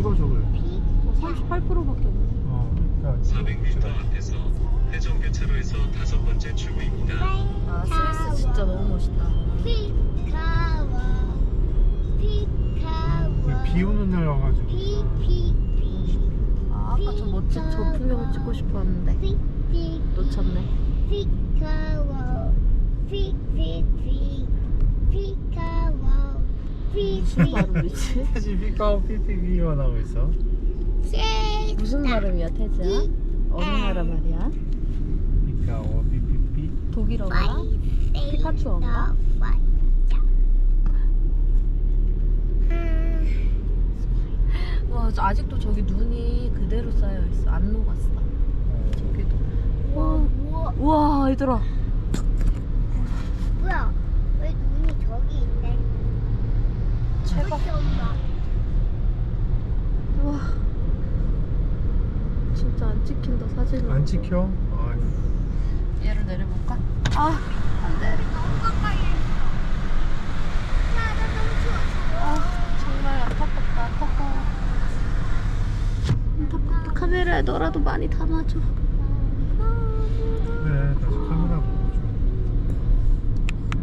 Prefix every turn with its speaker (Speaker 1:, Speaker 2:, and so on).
Speaker 1: 찍어줘 그래.
Speaker 2: 38%밖에 없네.
Speaker 1: 그러니까
Speaker 3: 400m 앞에서 회전교차로에서 5번째 출구입니다.
Speaker 2: 아, 스위스 진짜 너무 멋있다.
Speaker 1: 비 오는 날 와가지고.
Speaker 2: 아, 아까 저 멋진 저 풍경을 찍고 싶었는데 놓쳤네. 무슨 발음이지?
Speaker 1: 태지 피카오 피피비가 나오고 있어.
Speaker 2: 무슨 발음이야, 태지야? 어느 나라 말이야?
Speaker 1: 피카오 피피피.
Speaker 2: 독일어인가? 피카츄어인가? 와, 아직도 저기 눈이 그대로 쌓여있어. 안 녹았어. 저기도. 우와, 얘들아.
Speaker 4: 뭐야? 왜 눈이 저기 있네?
Speaker 2: 대박. 우와. 진짜 안 찍힌다, 사진이.
Speaker 1: 안 찍혀? 아휴.
Speaker 2: 얘를 내려볼까? 아, 안 돼.
Speaker 4: 너무 가까이 있어. 야, 나 너무 추워.
Speaker 2: 아, 정말 안타깝다. 안타깝다. 카메라에 너라도 많이 담아줘.
Speaker 1: 그래 다시 카메라